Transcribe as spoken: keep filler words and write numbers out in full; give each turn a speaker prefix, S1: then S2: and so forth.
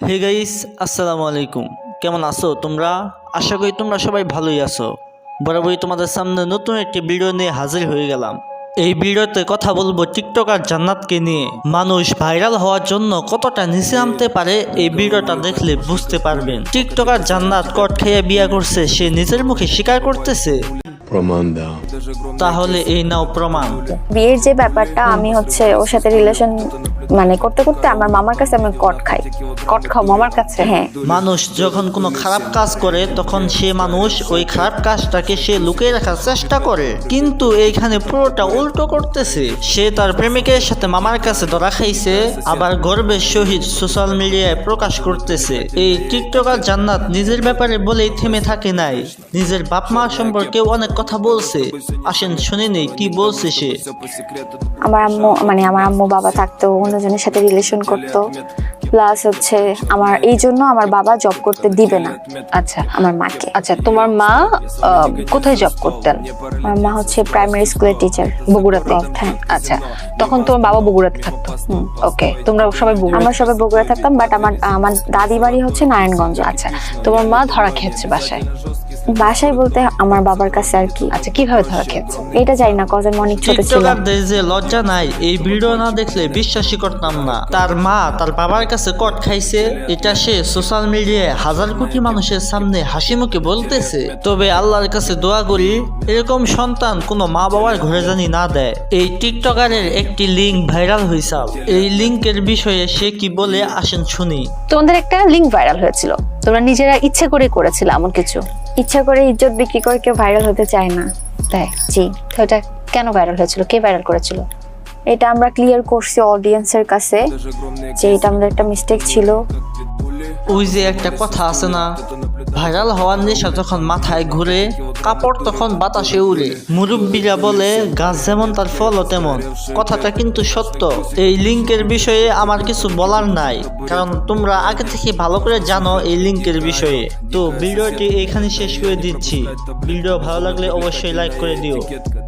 S1: Hey guys, আসসালামু আলাইকুম। কেমন আছো তোমরা? আশা করি তোমরা সবাই ভালোই আছো। বরাবরই তোমাদের সামনে নতুন একটি ভিডিও নিয়ে হাজির হয়ে গেলাম। এই ভিডিওতে কথা বলবো টিকটকার জান্নাতকে নিয়ে। মানুষ ভাইরাল হওয়ার জন্য কতটা নিচে নামতে পারে এই ভিডিওটা দেখলে বুঝতে পারবেন। টিকটকার জান্নাত কট খেয়ে বিয়ে করছে, সে নিজের মুখে স্বীকার করতেছে।
S2: প্রমাণ দাও।
S1: তাহলে এই নাও প্রমাণ।
S3: বিয়ের যে ব্যাপারটা, আমি হচ্ছে ওর সাথে রিলেশন মানে করতে করতে আমার মামার কাছে আমি কট খাই।
S4: কট খাও মামার কাছে?
S3: হ্যাঁ,
S1: মানুষ যখন কোনো খারাপ কাজ করে তখন সে মানুষ ওই খারাপ কাজটাকে সে লুকিয়ে রাখার চেষ্টা করে, কিন্তু এইখানে পুরোটা উল্টো করতেছে। সে তার প্রেমিকের সাথে মামার কাছে ধরা খাইছে, আবার গর্বের সহিত সোশ্যাল মিডিয়ায় প্রকাশ করতেছে। এই টিকটকার জান্নাত নিজের ব্যাপারে বলেই থেমে থাকে নাই, নিজের বাপ মা সম্পর্কে অনেক কথা বলছে। আসেন শুনে নেই কি বলছে সে।
S3: আমার আম্মু মানে আমার আম্মু বাবা থাকতো অন্যজনের সাথে রিলেশন করতো, প্লাস হচ্ছে আমার এই জন্য আমার বাবা জব করতে দিবে না
S4: আচ্ছা
S3: আমার মাকে।
S4: আচ্ছা, তোমার মা আহ, কোথায় জব করতেন?
S3: আমার মা হচ্ছে প্রাইমারি স্কুলের টিচার
S4: বগুড়াতে?
S3: হ্যাঁ।
S4: আচ্ছা, তখন তোমার বাবা বগুড়াতে থাকতো? ওকে, তোমরা সবাই বগুড়া?
S3: আমরা সবাই বগুড়া থাকতাম, বাট আমার আমার দাদি বাড়ি হচ্ছে নারায়ণগঞ্জ।
S4: আচ্ছা, তোমার মা ধরা খেয়েছে বাসায়?
S3: বাসায় বলতে আমার বাবার কাছে আর কি।
S4: আচ্ছা, কিভাবে ধরা খেয়েছে?
S3: এটা জানি না, কজন অনেক ছোট ছিল।
S1: টিকটকারদের যে লজ্জা নাই, এই ভিডিও না দেখলে বিশ্বাসই করতাম না। তার মা তার বাবার কাছে কট খাইছে, এটা সে সোশ্যাল মিডিয়ায় হাজার কোটি মানুষের সামনে হাসি মুখে বলতেছে। তবে আল্লাহর কাছে দোয়া করি এরকম সন্তান কোনো মা বাবার ঘরে জানি না দেয়। এই টিকটকারের একটি লিঙ্ক ভাইরাল হয়েছে, এই লিঙ্কের বিষয়ে সে কি বলে আসেন শুনি।
S4: তোমাদের একটা লিঙ্ক ভাইরাল হয়েছিল, তোমরা নিজেরা ইচ্ছে করে করেছিল এমন কিছু?
S3: ইচ্ছা করে ইজ্জত বিক্রি করে কেউ ভাইরাল হতে চায় না।
S4: তাই?
S3: জি।
S4: তো এটা কেন ভাইরাল হয়েছিল? কে ভাইরাল করেছিল?
S3: এটা আমরা ক্লিয়ার করছি অডিয়েন্সের কাছে যে এটা আমাদের একটা মিস্টেক ছিল।
S1: ওই যে একটা কথা আছে না, ভাইরাল হওয়ার নেশা যখন মাথায় ঘুরে, কাপড় তখন বাতাসে উড়ে। মুরব্বীরা বলে গাছ যেমন তার ফলও তেমন। কথাটা কিন্তু সত্য। এই লিঙ্কের বিষয়ে আমার কিছু বলার নাই, কারণ তোমরা আগে থেকে ভালো করে জানো এই লিঙ্কের বিষয়ে। তো ভিডিওটি এখানে শেষ করে দিচ্ছি। ভিডিও ভালো লাগলে অবশ্যই লাইক করে দিও।